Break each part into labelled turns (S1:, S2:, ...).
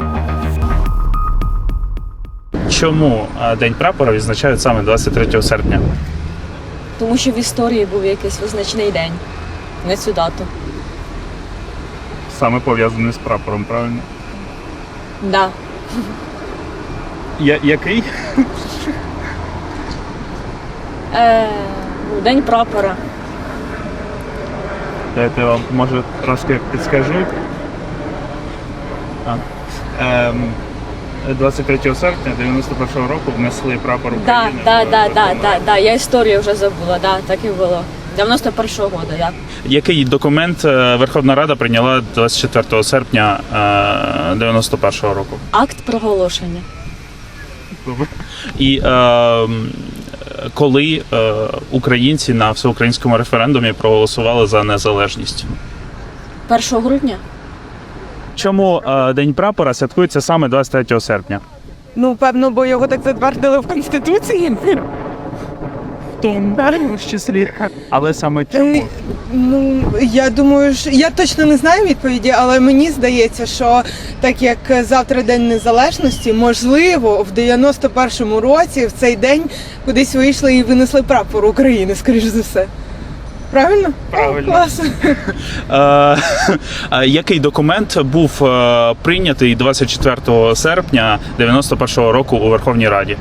S1: Чому День прапора відзначають саме 23 серпня?
S2: Тому що в історії був якийсь визначний день, не цю дату.
S1: Саме пов'язаний з прапором, правильно?
S2: Да.
S1: Який?
S2: День прапора.
S1: Дайте я вам, може, трошки підскажу. 23 серпня 91-го року внесли прапор України.
S2: Да. Я історію вже забула, да, так і було. 91-го року, я.
S1: Який документ Верховна Рада прийняла 24 серпня 91-го року?
S2: Акт проголошення.
S1: І коли українці на всеукраїнському референдумі проголосували за незалежність?
S2: 1 грудня?
S1: Чому День прапора святкується саме 23 серпня?
S3: Ну, певно, бо його так затвердили в Конституції. В тому числі.
S1: Але саме чому?
S3: Ну, я думаю, що я точно не знаю відповіді, але мені здається, що так як завтра День Незалежності, можливо, в 91-му році в цей день кудись вийшли і винесли прапор України, скоріш за все. Правильно?
S1: Правильно.
S3: О, клас.
S1: Який документ був прийнятий 24 серпня 91-го року у Верховній Раді?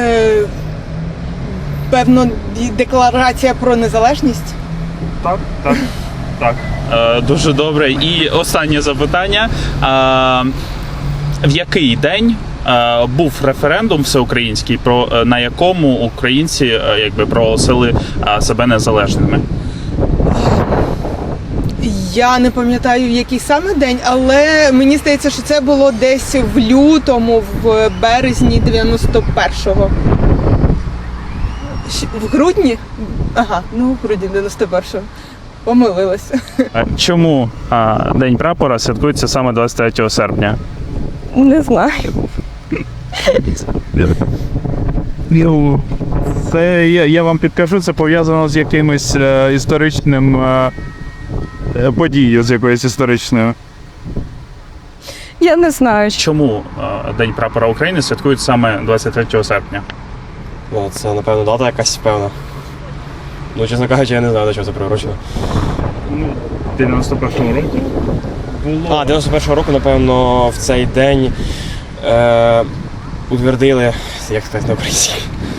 S3: Певно, декларація про незалежність.
S1: Так. Дуже добре. І останнє запитання. В який день був референдум всеукраїнський, на якому українці проголосили себе незалежними?
S3: Я не пам'ятаю, який саме день, але мені здається, що це було десь в лютому, в березні 91-го. В грудні? Ага, ну в грудні 91-го. Помилилася.
S1: Чому День прапора святкується саме 23 серпня?
S3: Не знаю.
S4: Це я вам підкажу, це пов'язано з якимось історичним подією, з якоюсь історичною.
S3: Я не знаю.
S1: Чому День прапора України святкують саме 23 серпня?
S5: Ну, це, напевно, дата якась певна. Ну, чесно кажучи, я не знаю, до чого це приурочено.
S1: Ну, 91-го року було.
S5: 91-го року, напевно, в цей день утвердили, як сказати на українській,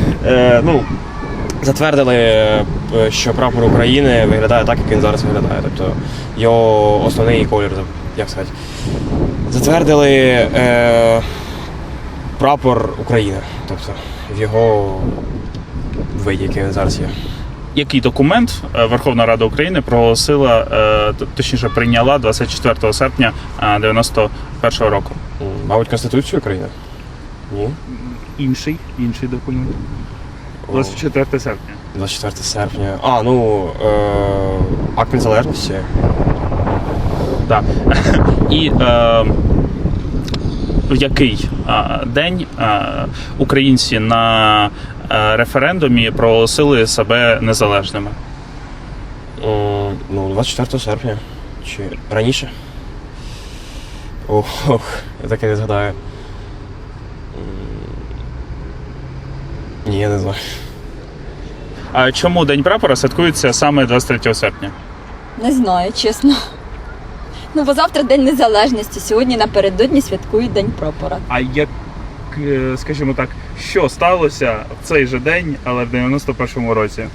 S5: затвердили, що прапор України виглядає так, як він зараз виглядає. Тобто його основний колір, як сказати. Затвердили прапор України, тобто в його виді, який він зараз є.
S1: Який документ Верховна Рада України проголосила, точніше прийняла 24 серпня 91-го року?
S5: Мабуть, Конституцію України? Ні.
S1: Інший документ. 24 серпня.
S5: 24 серпня. Акт незалежності.
S1: Так. І в який день українці на референдумі проголосили себе незалежними?
S5: 24 серпня. Чи раніше? Я таке не згадаю. Ні, я не знаю.
S1: А чому День прапора святкується саме 23 серпня?
S2: Не знаю, чесно. Ну, бо завтра День Незалежності, сьогодні напередодні святкують День прапора.
S1: А як, скажімо так, що сталося в цей же день, але в 91-му році?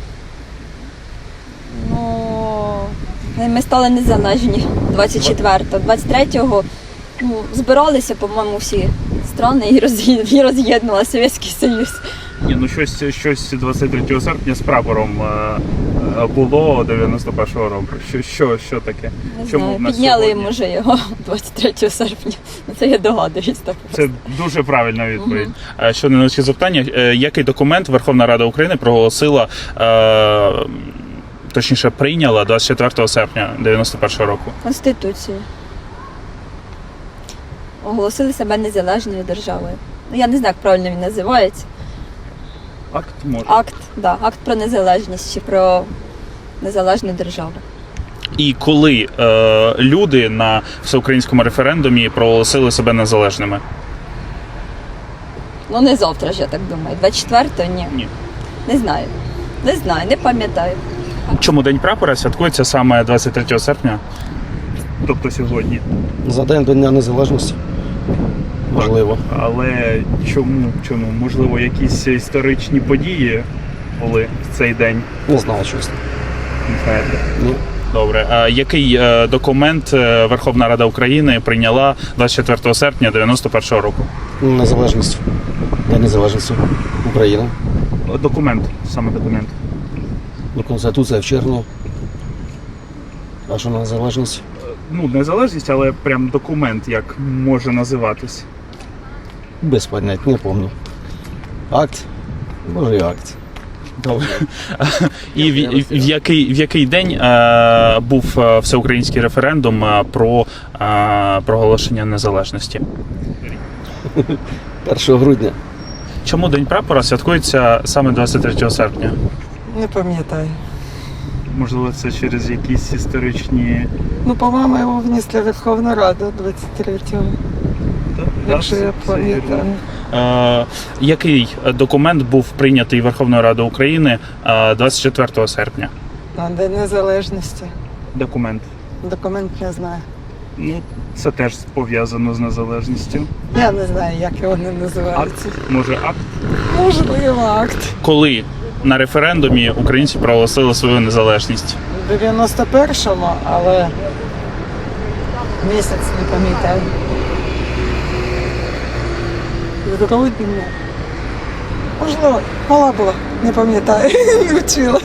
S2: Ну, ми стали незалежні 24-го. 23-го збиралися, по-моєму, всі страни і роз'єднували Совєтський Союз.
S1: Ні, ну щось 23 серпня з прапором було 91-го року. Що таке?
S2: Не
S1: Чому
S2: знаю,
S1: в нас
S2: підняли
S1: сьогодні?
S2: може його 23 серпня. Це я догадуюсь так.
S1: Це дуже правильна відповідь. Ще невеличке запитання. Який документ Верховна Рада України проголосила, точніше прийняла 24 серпня 91-го року?
S2: Конституцію. Оголосили себе незалежною державою. Ну, я не знаю, як правильно він називається.
S1: Акт може.
S2: Акт про незалежність чи про незалежну державу.
S1: І коли люди на всеукраїнському референдумі проголосили себе незалежними?
S2: Ну не завтра ж, я так думаю. 24-го? Ні.
S1: Ні.
S2: Не знаю. Не знаю, не пам'ятаю.
S1: Чому День прапора святкується саме 23 серпня? Тобто сьогодні.
S6: За день до Дня Незалежності. Можливо.
S1: Але чому? Можливо, якісь історичні події були в цей день?
S6: Не знаю, чесно.
S1: Не знаєте?
S6: Ні.
S1: Добре. А який документ Верховна Рада України прийняла 24 серпня 91-го року?
S6: Незалежність. День Незалежності України.
S1: Документ, саме документ.
S6: Ну, Конституція в червні. А що на незалежність?
S1: Ну, незалежність, але прям документ, як може називатись.
S6: Без понять, не пам'ятаю. Акт? Може і акт.
S1: Добре. І в який день був всеукраїнський референдум про проголошення незалежності?
S6: 1 грудня.
S1: Чому День прапора святкується саме 23 серпня?
S7: Не пам'ятаю.
S1: Можливо, це через якісь історичні...
S7: Ну, по-моєму, його внесли в Верховну Раду 23-го, якщо я пам'ятаю.
S1: Який документ був прийнятий Верховною Радою України 24 серпня?
S7: На День Незалежності.
S1: Документ.
S7: Документ не знаю.
S1: Ну, це теж пов'язано з незалежністю.
S7: Я не знаю, як його не називається.
S1: Може, акт?
S7: Можливо, акт.
S1: Коли на референдумі українці проголосили свою незалежність?
S7: В 91-му, але місяць не пам'ятаю. В грудні. Можливо, мала була, не пам'ятаю, не вчила.